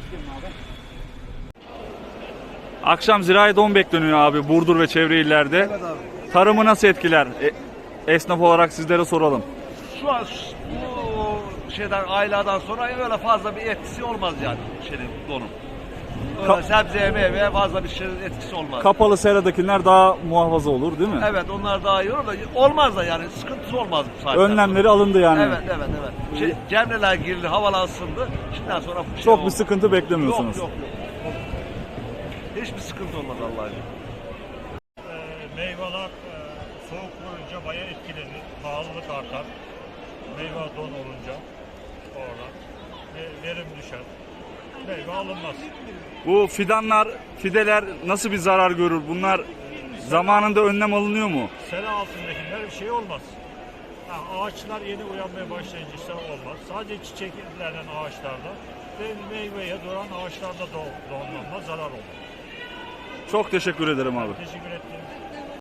Akşam zirai don bekleniyor abi Burdur ve çevre illerde. Evet abi. Tarımı nasıl etkiler? Esnaf olarak sizlere soralım. Şu an bu şeyden aylardan sonra öyle fazla bir etkisi olmaz yani donun. Öyle sebzeye meyveye fazla bir şeyin etkisi olmaz. Kapalı seradakiler daha muhafaza olur değil mi? Evet onlar daha iyi olur da olmaz da yani sıkıntısı olmaz bu saatten Önlemleri sonra. alındı yani. Evet. Cemreler girildi, havalar ısındı. Şimdiden sonra bir şey Çok olmaz. bir sıkıntı beklemiyorsunuz. Yok. Hiçbir sıkıntı olmaz Allah'a emanet. Meyveler soğuk vurunca bayağı etkilenir. Pahalılık artar. Meyve don olunca orada verim düşer. Meyve alınmaz. Bu fideler nasıl bir zarar görür? Bunlar zamanında önlem alınıyor mu? Sera altındakiler bir şey olmaz. Ağaçlar yeni uyanmaya başlayınca işte olmaz. Sadece çiçeklenen ağaçlarda ve meyveye duran ağaçlarda donlanma zarar olur. Çok teşekkür ederim abi. Teşekkür ederim.